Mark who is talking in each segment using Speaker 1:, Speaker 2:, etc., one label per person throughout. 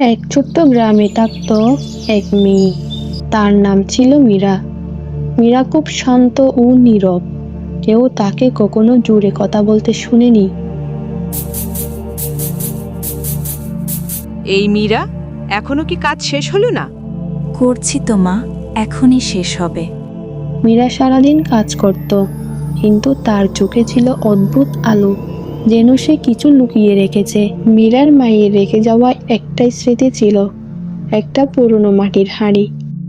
Speaker 1: এক ছোট্ট গ্রামে থাকত এক মেয়ে। তার নাম ছিল মীরা। মীরা খুব শান্ত ও নীরব। কেউ তাকে কখনো জোরে কথা বলতে শুনেনি।
Speaker 2: এই মীরা, এখনো কি কাজ শেষ হলো না?
Speaker 3: করছি তো মা, এখনই শেষ হবে।
Speaker 1: মীরা সারাদিন কাজ করত, কিন্তু তার চোখে ছিল অদ্ভুত আলো, যেন সে কিছু লুকিয়ে রেখেছে। মীরার মায়ের রেখে যাওয়া একটাই স্মৃতি ছিল, একটা পুরনো মাটির হাঁড়ি।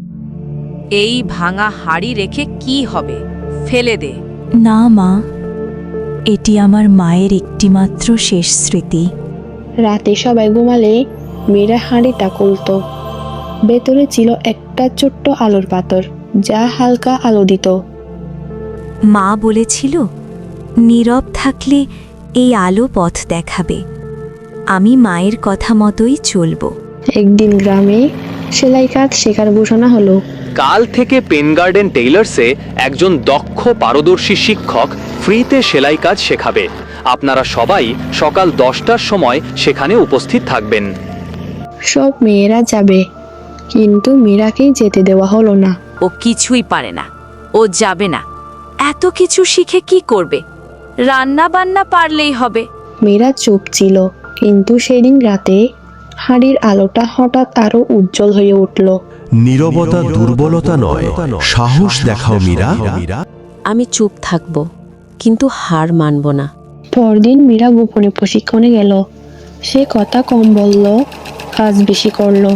Speaker 2: এই ভাঙা হাড়ি রেখে কি হবে? ফেলে দে।
Speaker 3: না মা, এটি আমার মায়ের একটিমাত্র শেষ স্মৃতি।
Speaker 1: রাতে সবাই ঘুমালে মীরা হাঁড়িটা খুলত। ভেতরে ছিল একটা ছোট্ট আলোর পাথর, যা হালকা আলো দিত।
Speaker 3: মা বলেছিল, নীরব থাকলে এই আলো পথ দেখাবে। আমি মায়ের কথা মতোই চলব।
Speaker 1: একদিন গ্রামে সেলাই কাজ শেখার ঘোষণা হলো।
Speaker 4: কাল থেকে পেন গার্ডেন টেইলার্সে একজন দক্ষ পারদর্শী শিক্ষক ফ্রিতে সেলাই কাজ শেখাবে। আপনারা সবাই সকাল 10টার সময় সেখানে উপস্থিত থাকবেন।
Speaker 1: সব মেয়েরা যাবে, কিন্তু মীরাকেই যেতে দেওয়া হলো না।
Speaker 2: ও কিছুই পারে না, ও যাবে না। এত কিছু শিখে কি করবে? রান্না বান্না পারলেই হবে।
Speaker 1: মীরা চুপ ছিল, কিন্তু সেদিন রাতে হাঁড়ির আলোটা হঠাৎ আরো উজ্জ্বল হয়ে উঠল।
Speaker 5: নীরবতা দুর্বলতা নয়, সাহস দেখাও মীরা।
Speaker 6: আমি চুপ থাকব, কিন্তু হার মানব না।
Speaker 1: পরদিন মীরা গোপনে প্রশিক্ষণে গেল। সে কথা কম বলল, কাজ বেশি করলো।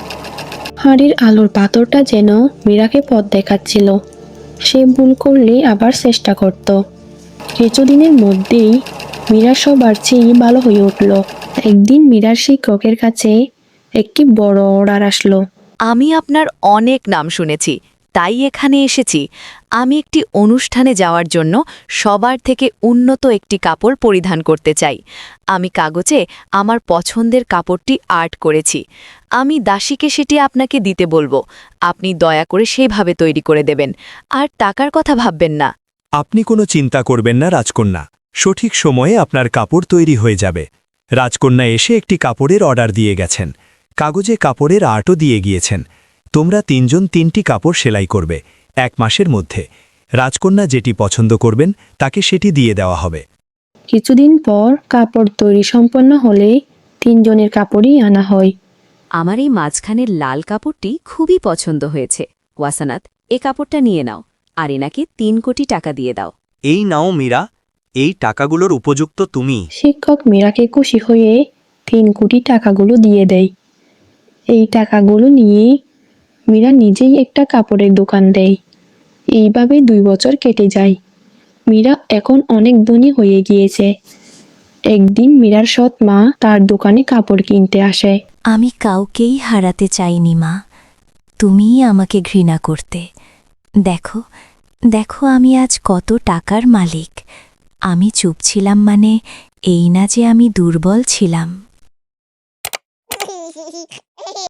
Speaker 1: হাঁড়ির আলোর পাথরটা যেন মীরাকে পথ দেখাচ্ছিল। সে ভুল করলে আবার চেষ্টা করত। কিছুদিনের মধ্যেই মীরা সবার চেয়ে ভালো হয়ে উঠল। একদিন মীরার শিক্ষকের কাছে একটি বড় অর্ডার আসলো।
Speaker 2: আমি আপনার অনেক নাম শুনেছি, তাই এখানে এসেছি। আমি একটি অনুষ্ঠানে যাওয়ার জন্য সবার থেকে উন্নত একটি কাপড় পরিধান করতে চাই। আমি কাগজে আমার পছন্দের কাপড়টি আর্ট করেছি। আমি দাসীকে সেটি আপনাকে দিতে বলবো। আপনি দয়া করে সেইভাবে তৈরি করে দেবেন, আর টাকার কথা ভাববেন না।
Speaker 7: আপনি কোনো চিন্তা করবেন না রাজকন্যা, সঠিক সময়ে আপনার কাপড় তৈরি হয়ে যাবে। রাজকন্যা এসে একটি কাপড়ের অর্ডার দিয়ে গেছেন, কাগজে কাপড়ের আর্টও দিয়ে গিয়েছেন। তোমরা তিনজন তিনটি কাপড় সেলাই করবে 1 মাসের মধ্যে। রাজকন্যা যেটি পছন্দ করবেন তাকে সেটি দিয়ে দেওয়া হবে।
Speaker 1: কিছুদিন পর কাপড় তৈরি সম্পন্ন হলে 3 জনের কাপড়ই আনা হয়।
Speaker 6: আমার এই মাঝখানের লাল কাপড়টি খুবই পছন্দ হয়েছে। ওয়াসানাত, এ কাপড়টা নিয়ে নাও, আর এনাকে 3 কোটি টাকা দিয়ে দাও।
Speaker 8: এই নাও মীরা, এই টাকাগুলোর উপযুক্ত তুমি।
Speaker 1: শিক্ষক মীরাকে খুশি হয়ে 3 কোটি টাকাগুলো দিয়ে দেয়। এই টাকাগুলো নিয়ে মীরা নিজেই একটা কাপড়ের দোকান দেয়। এইভাবে 2 বছর কেটে যায়। মীরা এখন অনেক ধনী হয়ে গিয়েছে। একদিন মীরার সৎ মা তার দোকানে কাপড় কিনতে আসে।
Speaker 3: আমি কাউকেই হারাতে চাইনি মা, তুমিই আমাকে ঘৃণা করতে। দেখো দেখো, আমি আজ কত টাকার মালিক। আমি চুপ ছিলাম মানে এই না যে আমি দুর্বল ছিলাম।